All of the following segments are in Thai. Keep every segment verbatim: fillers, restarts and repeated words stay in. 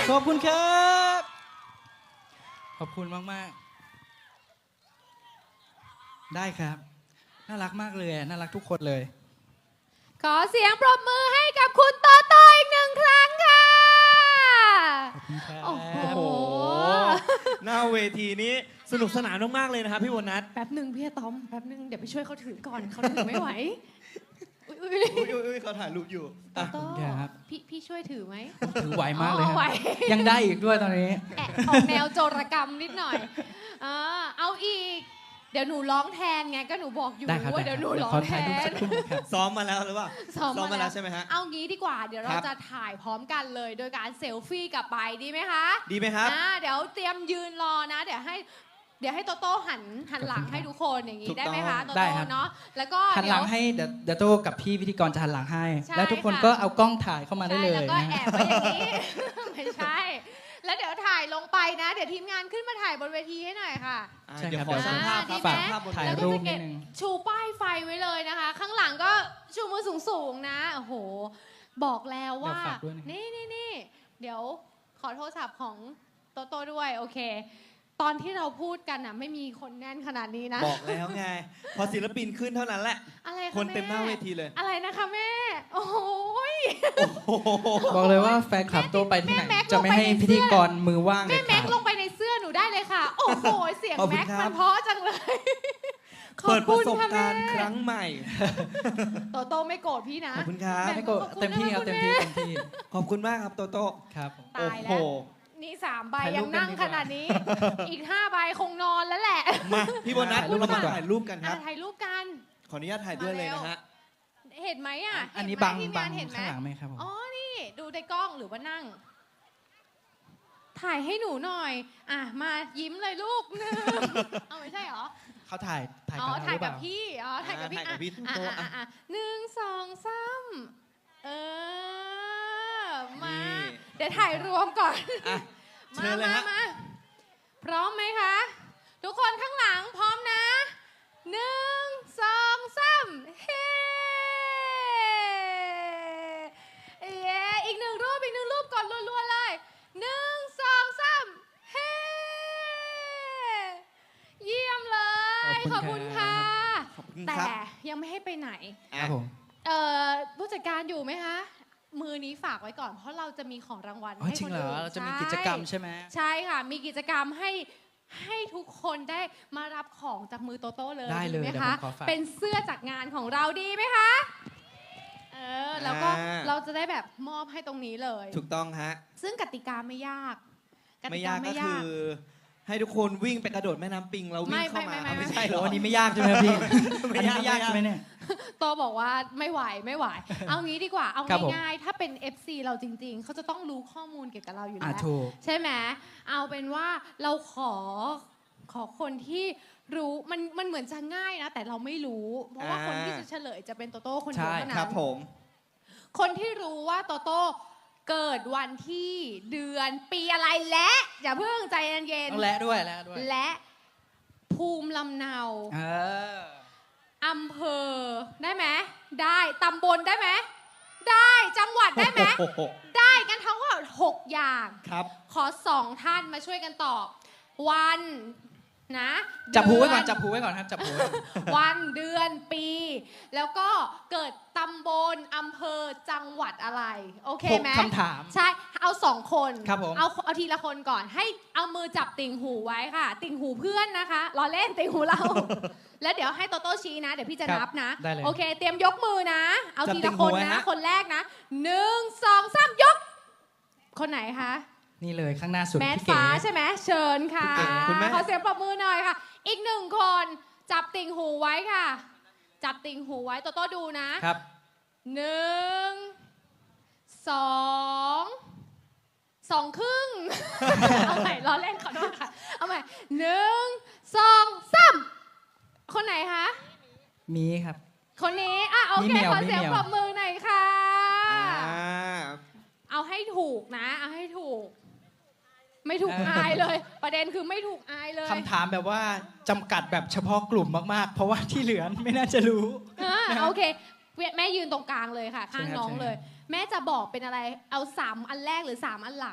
ขอบคุณครับขอบคุณมากๆได้ครับน่ารักมากเลยน่ารักทุกคนเลยขอเสียงปรบมือให้กับคุณโตโต้อีกหนึ่งครั้งค่ะขอบคุณครับโอ้โหหน้าเวทีนี้สนุกสนานมากๆเลยนะครับพี่โบนัสแป๊บหนึ่งพี่อะตอมแป๊บหนึ่งเดี๋ยวไปช่วยเขาถือก่อนเขาถือไม่ไหวอุ๊ยอุ้ยอุ้ยเขาถ่ายรูปอยู่อ่ะโต้ครับพี่พี่ช่วยถือไหมถือไหวมากเลยอ๋อไหวยังได้อีกด้วยตอนนี้แอบออกแนวโจรกรรมนิดหน่อยเออเอาอีกเดี๋ยวหนูร้องแทนไงก็หนูบอกอยู่ได้ครับว่าเดี๋ยวหนูร้องขอแทถ่ายรูปนสักครู่ครับซ้อมมาแล้วหรือเปล่าซ้อมมามาแล้แล้ว วใช่ไหมฮะเอางี้ดีกว่าเดี๋ยวเราครับจะถ่ายพร้อมกันเลยโดยการเซลฟี่กลับไปดีไหมคะดีไหมครับอ่าเดี๋ยวเตรียมยืนรอนะ เดี๋ยวให้เดี๋ยวให้โตโต้หันหันหลังให้ทุกคนอย่างนี้ถูกได้ไหมต้คะองโตได้โต้ครับเนาะแล้วก็หันหเดี๋ลัยวงให้เดี๋ยวเดี๋ยวโตกับพี่พิธีกรจะหันหลังให้ใช่แล้วทุกคนค่ะก็เอากล้องถ่ายเข้ามาได้ใช่เลยแล้วก็นะแอบไว้อย่างนี้ ไม่ใช่ แล้วเดี๋ยวถ่ายลงไปนะ เดี๋ยวทีมงานขึ้นมาถ่ายบนเวทีให้หน่อยค่ะอ่ะใช่เดี๋ยวครับขอสัมภาษณ์อ่าครับดีไหมฝากภาพบนถ่ายแล้วก็รูปจะเก็บนิดนึงชูป้ายไฟไว้เลยนะคะ ข้างหลังก็ชูมือสูงๆนะโอ้โห บอกแล้วว่าเดี๋ยวฝากด้วยนะนี่นี่นี่เดี๋ยวขอโทรศัพท์ของโตโต้ด้วยโอเค ตอนที่เราพูดกันอ่ะไม่มีคนแน่นขนาดนี้นะบอกแล้วไง พอศิลปินขึ้นเท่านั้นแหละอะไรคะคนเต็มหน้าแเวทีเลยอะไรนะคะแม่ โอ้โหยโอ้โหบอกเลยว่าแฟนคลับโตไปที่ไหนแม่แม็กจะไม่ให้ลงไปในพิธีกรมือว่างเลแม่ยคแม็รักบลงไปในเสื้อหนูได้เลยค่ะ โอ้โหเสียงขอบคุณแม็กครับมันเพราะจังเลยขอบเปิดปคุระณสบค่ะการแม่ณ์ครั้งใหม่โตโต้ไม่โกรธพี่นะขอบคุณครับแม่ไม่โกรธขอบคุณเต็มที่ครับนะเต็มคุณที่แม่เต็มที่ขอบคุณมากครับโตโต้ครับผมตายแล้โอ้วโหนี่สามใบถ่ายรูยัปงกันนั่งดีกว่าขนาดนี้ อีกห้าใบคงนอนแล้วแหละมาพี่โบนัสถ่ายรูปเรามาดีกว่าถ่ายรูปกันคอ่ะรับถ่ายรูปกันขออนุญาตถ่ายด้วยเลยนะฮะเห็นไหมอ่ะอันนี้เห็ไหมบังทีมบังาง นเห็นไหมข้างหลังไหมครับผมอ๋อนี่ดูในกล้องหรือว่านั่ง ถ่ายให้หนูหน่อย อ่ะมายิ้มเลยลูกหนึ่งเอาไม่ใช่เหรอเขาถ่ายถ่ายอ๋อกับเราหถ่ายรือเปกับล่าพี่ อ๋อ ถ่ายกับพี่อ่าถ่ายกับพี่อ่ะโต๊ะอ่ะอ่ะอ่ะอ่ะหนึ่งสองสามเออ มานี่เดี๋ยวถ่ายรวมก่อนอ่ะเชิมาญเลยมาฮะมา พร้อมไหมคะ ทุกคนข้างหลังพร้อมนะหนึ่งสองสามเฮ้เย้อีกหนึ่งรูป อีกหนึ่งรูปก่อนรัวๆเลยหนึ่งสองสามเฮ้เยี่ยมเลย ขขออบบคุคุณณค่ะครับขอบคุณแต่ครับยังไม่ให้ไปไหนครับผมเอ่อผู้จัดการอยู่ไหมคะ มือนี้ฝากไว้ก่อน เพราะเราจะมีของรางวัลอ๋อให้จริคงนเหรออื่นเราจะมีใช่กิจกรรมใช่ไหมใช่ค่ะ มีกิจกรรมให้ให้ทุกคนได้มารับของจากมือโตโต้เลยได้เลยไหมเดี๋ยวคะผมขอฝากเป็นเสื้อจากงานของเราดีไหมคะ เออ แล้วก็อ่าเราจะได้แบบมอบให้ตรงนี้เลยถูกต้องฮะซึ่งกติกาไม่ยากไม่ยากก็คือ ให้ทุกคนวิ่งไปกระโดดแม่น้ำปิงแล้ววิ่งเข้ามาไม่ไม่ไม่เอาไม่ไม่ใช่เหรโอ้ออันนี้ไม่ยากใช่ไหมครับพี่ไม่อันนี้ยากไม่ยากไม่ยากใช่ไหมเนี่ยโตบอกว่าไม่ไหวไม่ไหว เอางี้ดีกว่า เอาครับผมง่ายๆ ถ้าเป็น เอฟ ซี เราจริงๆ เขาจะต้องรู้ข้อมูลเกี่ยวกับเราอยู่อ่ะแล้วถูกใช่ไหม เอาเป็นว่าเราขอขอคนที่รู้มันมันเหมือนจะง่ายนะ แต่เราไม่รู้ เพราะว่าอ่าคนที่จะเฉลยจะเป็นโตโต้คนเดียวใช่เท่าคนั้รับนผมคนที่รู้ว่าโตโต้เกิดวันที่เดือนปีอะไรและอย่าเพิ่งใจเย็นต้องและด้วยและด้วยๆและภูมิลำเนาเอออำเภอได้ไหมได้ตำบลได้ไหมได้จังหวัดได้ไหมโอ้โหได้กันทั้งหมดหกอย่างครับขอสองท่านมาช่วยกันตอบ วันนะจับหูไว้ก่อนเดืจับหูไว้ก่อนครับจับหูไว้ก่อนวันเดือนปี แล้วก็เกิดตำบลอำเภอจังหวัดอะไร โอเคหกไหมคำถามใช่เอาสองคนครับผมเอาเอาทีละคนก่อนให้เอามือจับติ่งหูไว้ค่ะ ติ่งหูเพื่อนนะคะล้อเล่นติ่งหูเรา แล้วเดี๋ยวให้โตโต้ชี้นะ เดี๋ยวพี่จะครับนับนะได้เลยโอเค เตรียมยกมือนะ เอาจับทีติ่ละงคหูนไว้นะฮะคนแรกนะหนึ่งสองสามยก คนไหนคะนี่เลยข้างหน้าสุดแมสพี่เก๋ฟ้าใช่ไหมเชิญค่ะพี่เก๋คุณแม่ขอเสียงปรบมือหน่อยค่ะ อีกหนึ่งคนจับติ่งหูไว้ค่ะ จับติ่งหูไว้โตโต้ดูนะครับ หนึ่งสองสองครึ่ง เอาใหม่ล้อเล่นขอโทษค่ะ เอาใหม่หนึ่งสองสามคนไหนคะมีครับคนนี้อ่ะโอมีเคเหมียวขอเสียงมีเหมียวปรบมือหน่อยค่ะอ่าเอาให้ถูกนะ เอาให้ถูก ไม่ถูกอายเลย ประเด็นคือไม่ถูกอายเลยคำถามแบบว่าจำกัดแบบเฉพาะกลุ่มมากๆ เพราะว่าที่เหลือไม่น่าจะรู้อ่าโอเคแม่ยืนตรงกลางเลยค่ะ ข้างใช่ครับน้องใช่เลย แม่จะบอกเป็นอะไรเอาสามอันแรกหรือสามอันหลัง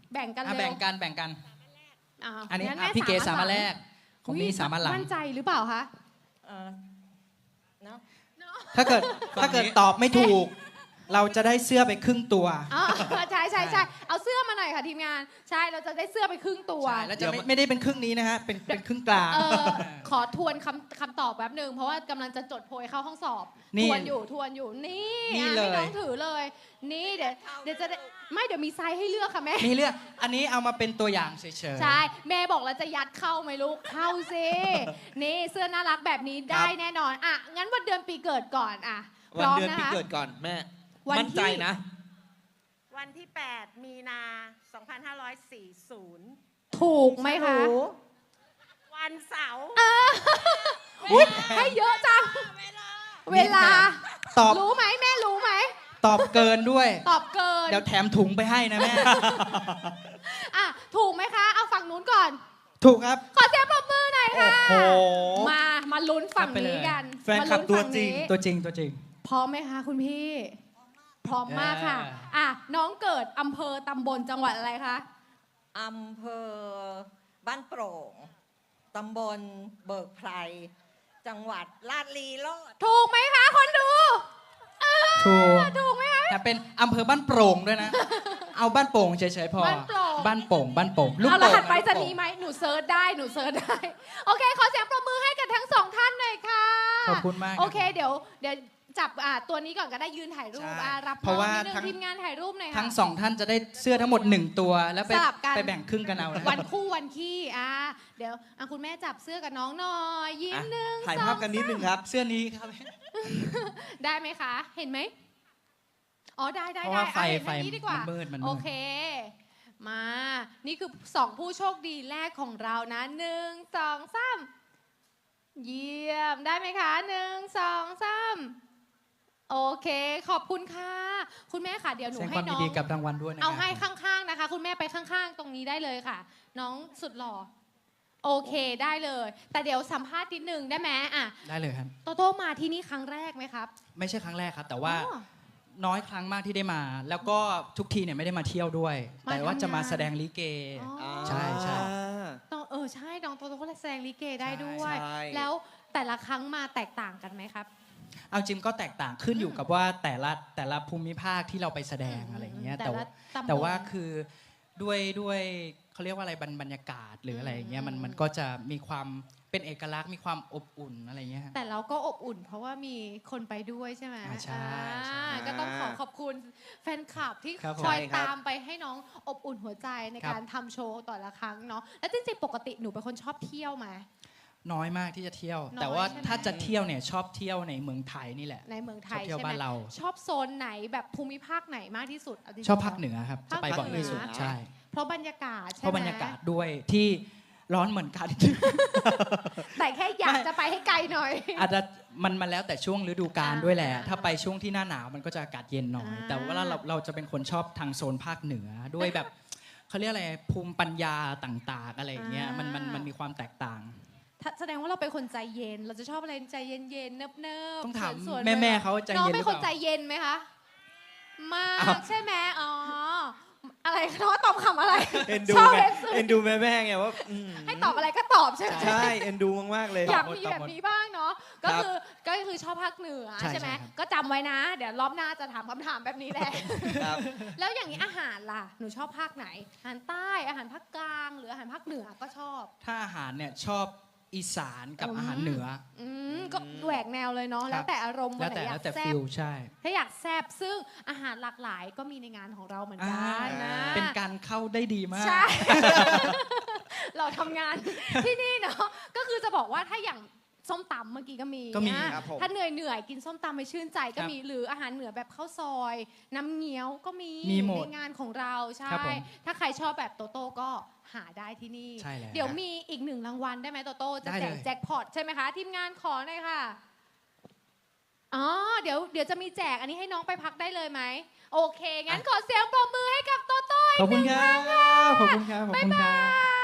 แบ่งกันอ่ะเร็แบ่วงกันแบ่งกันอ่าอันนี้งั้อ่ะแม่พี่เก๋สามอัอันแรกของมีสามอันหลังมั่นใจหรือเปล่าคะเออเนาะถ้าเกิดถ้าเกิดตอบไม่ถูก เราจะได้เสื้อไปครึ่งตัวอ๋อใช่ใช่ใช่เอาเสื้อมาหน่อยค่ะทีมงาน ใช่เราจะได้เสื้อไปครึ่งตัวใช่แล้วจะไม่ไม่ได้เป็นครึ่งนี้นะฮะเป็นเป็นครึ่งกลางเออขอทวนคำคำตอบแป๊บหนึ่งเพราะว่ากำลังจะจดโพยเข้าห้องสอบนี่ทวนอยู่ทวนอยู่นี่นี่อ่ะเลยให้น้องถือเลย นี่เดี๋ยวเดี๋ยวจะได้ไม่เดี๋ยวมีไซส์ให้เลือกค่ะแม่มีเลือกอันนี้เอามาเป็นตัวอย่างเฉยๆใช่แม่บอกแล้วจะยัดเข้าไหมลูกเข้าสินี่เสื้อน่ารักแบบนี้ได้แน่นอนอ่ะงั้นวันเดือนปีเกิดก่อนอ่ะพวันร้อมเดือนนะปีคะเกิดก่อนแม่วันมั่นใจที่นะวันที่ แปด มีนา สองพันห้าร้อยสี่สิบถูกไหมคะวันเสาร์อุ๊ยให้เยอะจังเวลาเวลาตอบรู้ไหมแม่รู้ไหมตอบเกินด้วยตอบเกินเดี๋ยวแถมถุงไปให้นะแม่อ่ะถูกไหมคะ เอาฝั่งนู้นก่อนถูกครับขอเสียงปรบมือหน่อยโอ้ค่ะโหมา มาลุ้นฝั่งรับไปเลนี้ยกันแฟนคลับมาตัวลุ้ฝั่จริงนี้ตัวจริงตัวจริงพร้อมไหมคะคุณพี่ พร้อมมากค่ะเอออ่ะ น้องเกิดอำเภอตำบลจังหวัดอะไรคะอำเภอบ้านโปร่ง ตำบลเบิกไพร จังหวัดลาดลีโลดถูกไหมคะคนดูเออถูกถูกไหมคะแต่เป็นอำเภอบ้านโปร่งด้วยนะ เอาบ้านโป่งเฉยๆพอบ้านโป่งบ้านโป่งบ้านโป่งลูกเอารโป่งหัสไปรษลูกโป่งณีย์ไหมหนูเซิร์ชได้ หนูเซิร์ชได้ โอเค ขอเสียงปรบมือให้กับทั้งสองท่านหน่อยค่ะขอบคุณมากโอเค เดี๋ยว เดี๋ยวจับอ่าตัวนี้ก่อนก็ได้ยืนถ่ายรูปใช่อ่ารับเพราะว่าน้องนิดนึงทั้งทีมงานถ่ายรูปหน่อยค่ะทั้งสองท่านจะได้เสื้อทั้งหมดหนึ่งตัว แล้วไปสลับกันไปแบ่งครึ่งกันเอานะวันคู่วันขี้อ่าเดี๋ยวอ่ะคุณแม่จับเสื้อกับน้องหน่อย ยิ้มอ่ะหนึ่งถ่ายสองภาพกันนิดนึงครับเสื้อนี้ครับได้ไหมคะ เห็นไหมอ๋อได้ได้เพราะได้ว่าไฟอ่ะเห็นไฟทางนี้ดีกว่ามันมืดมันมืดโอเค มา นี่คือสองผู้โชคดีแรกของเรานะหนึ่งสองสามเยี่ยมได้ไหมคะหนึ่งสองสามโอเค ขอบคุณค่ะ คุณแม่ค่ะเดี๋ยวหนูแสดงคให้วามน้ยิอน งดีกับรางวัลด้วยนะเอาให้ครับข้างๆนะคะ คุณแม่ไปข้างๆ ตรงนี้ได้เลยค่ะ น้องสุดหล่อโอเคได้เลย แต่เดี๋ยวสัมภาษณ์นิดนึงได้ไหมอ่ะได้เลยครับโตโต้มาที่นี่ครั้งแรกไหมครับไม่ใช่ครั้งแรกครับ แต่ว่าอ๋อน้อยครั้งมากที่ได้มา แล้วก็ทุกทีเนี่ยไม่ได้มาเที่ยวด้วยมาแต่ว่าจะมาทำงานแสดงลิเกอ๋อใช่ใช่น้องเออใช่น้องโตโต้ก็แสดงลิเกได้ด้วยใช่แล้วแต่ละครั้งมาแตกต่างกันไหมครับเอาจริงก็แตกต่างขึ้นอยู่กับว่าแต่ละแต่ละภูมิภาคที่เราไปแสดงอะไรอย่างเงี้ยแต่แต่ละว่าตำบลแต่ว่าคือด้วยด้วยเขาเรียกว่าอะไรบรรบรรยากาศหรืออะไรอย่างเงี้ยมันอืมมันก็จะมีความเป็นเอกลักษณ์มีความอบอุ่นอะไรอย่างเงี้ยฮะแต่เราก็อบอุ่น เพราะว่ามีคนไปด้วยใช่ไหมอ่าใช่ใช่อ่าก็ต้องขอขอบคุณแฟนคลับที่ครับผมคอยใช่ครับตามไปให้น้องอบอุ่นหัวใจในครับการทำโชว์ต่อละครั้งเนาะแล้วจริงๆปกติหนูเป็นคนชอบเที่ยวไหมน้อยมากที่จะเที่ยวน้อยแต่ว่าใช่ไหมถ้าจะเที่ยวเนี่ยชอบเที่ยวในเมืองไทยนี่แหละในเมืองไทชอบยเที่ยวใช่ไหมบ้านเราชอบโซนไหนแบบภูมิภาคไหนมากที่สุดเาจริงๆชอบภาคเหนือครับจะไปภาคบ่อยที่สุดเหนือใช่เพราะบรรยากาศใช่ไหมเพราะบรรยากาศด้วยที่ร้อนเหมือนกันแต่แค่อยากจะไปให้ไกลหน่อยอาจจะมันมาแล้วแต่ช่วงฤดูกาลด้วยแหละอ่าถ้าไปช่วงที่หน้าหนาวมันก็จะอากาศเย็นหน่อยอ่าแต่ว่าเราเราจะเป็นคนชอบทางโซนภาคเหนือด้วยแบบเขาเรียกอะไรภูมิปัญญาต่างๆอะไรอย่างเงี้ยมันมันมันมีความแตกต่างถ้าแสดงว่าเราเป็นคนใจเย็น เราจะชอบอะไรใจเย็นๆเนิบๆต้องถามสวนๆแม่ไปแม่เขาใจน้องเย็นหเป็รืนอคเปนใจล่าเย็นไหมคะมากอ้าวใช่ไหมอ๋ออะไรน้องตอบคำอะไรเอ็นดูชอบไงเอ็นดูเอ็นดูแม่แม่ๆไงว่าอืมให้ตอบอะไรก็ตอบใช่ไหมใช่เอ็นดูมากๆเลยอยากตอบหมดมีตอบแบบหมดนี้บ้างเนาะก็ครับคือก็คือชอบภาคเหนือใช่ใช่ไหมใช่ครับก็จำไว้นะ เดี๋ยวรอบหน้าจะถามคำถามแบบนี้แหละครับแล้วอย่างนี้อาหารล่ะหนูชอบภาคไหนอาหารใต้อาหารภาคกลางหรืออาหารภาคเหนือก็ชอบถ้าอาหารเนี่ยชอบอีสานกับอืมอาหารเหนืออืมก็แหวกแนวเลยเนาะครับแล้วแต่อารมณ์วัแล้นวไหนแต่อยาแล้วกแต่แซ่ฟิบลใช่ถ้าอยากแซ่บซึ่งอาหารหลากหลายก็มีในงานของเราเหมือนกัอ่านนะเป็นการเข้าได้ดีมากใช่ เราทำงานที่นี่เนาะก็คือจะบอกว่าถ้าอย่างส้มตำเมื่อกี้ก็มีก็มีอ่ะครับผมถ้าเหนื่อยเหนื่อยๆกินส้มตำไปชื่นใจก็ครับมีหรืออาหารเหนือแบบข้าวซอย น้ำเงี้ยวก็มีมีหมดในงานของเราใช่ครับผมถ้าใครชอบแบบโตโต้ก็หาได้ที่นี่ใช่แล้วเดี๋ยวมีอีกหนึ่งรางวัลได้ไหมโตโต้จะได้แจเลกยแจ็คพอตใช่ไหมคะทีมงานขอหน่อยค่ะอ๋อเดี๋ยวเดี๋ยวจะมีแจกอันนี้ให้น้องไปพักได้เลยไหมโอเคงั้นขอเสียงปรบมือให้กับโตโต้ขอบคุณครับขอบคุณครับขอบบ๊ายคุณคบารับ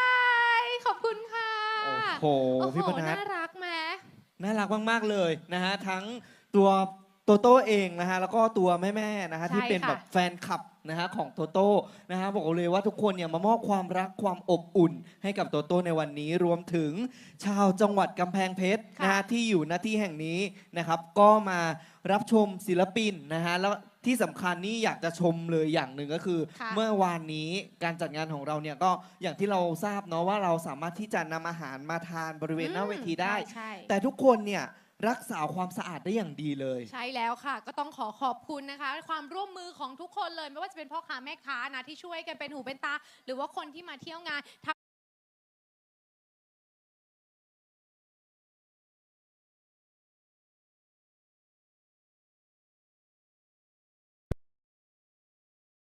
ยขอบคุณค่ะโอ้โหโอ้โหพี่ปนัดน่ารักไหมน่ารักมากๆเลยนะฮะทั้งตัวโตโต้เองนะฮะแล้วก็ตัวแม่ๆนะฮะใช่ที่เป็นค่ะแบบแฟนคลับนะฮะของโตโต้นะฮะบอกเลยว่าทุกคนเนี่ยมามอบความรักความอบอุ่น ให้กับโตโต้ในวันนี้รวมถึงชาวจังหวัดกำแพงเพชรนะฮะที่อยู่ณที่แห่งนี้นะครับก็มารับชมศิลปินนะฮะแล้วที่สำคัญนี่อยากจะชมเลยอย่างหนึ่งก็คือค่ะเมื่อวานนี้การจัดงานของเราเนี่ยก็อย่างที่เราทราบเนาะว่าเราสามารถที่จะนำอาหารมาทานบริเวณหน้าเวทีได้ใช่ใช่แต่ทุกคนเนี่ยรักษาความสะอาดได้อย่างดีเลยใช่แล้วค่ะ ก็ต้องขอขอบคุณนะคะ ความร่วมมือของทุกคนเลย ไม่ว่าจะเป็นพ่อค้าแม่ค้านะที่ช่วยกันเป็นหูเป็นตา หรือว่าคนที่มาเที่ยวงาน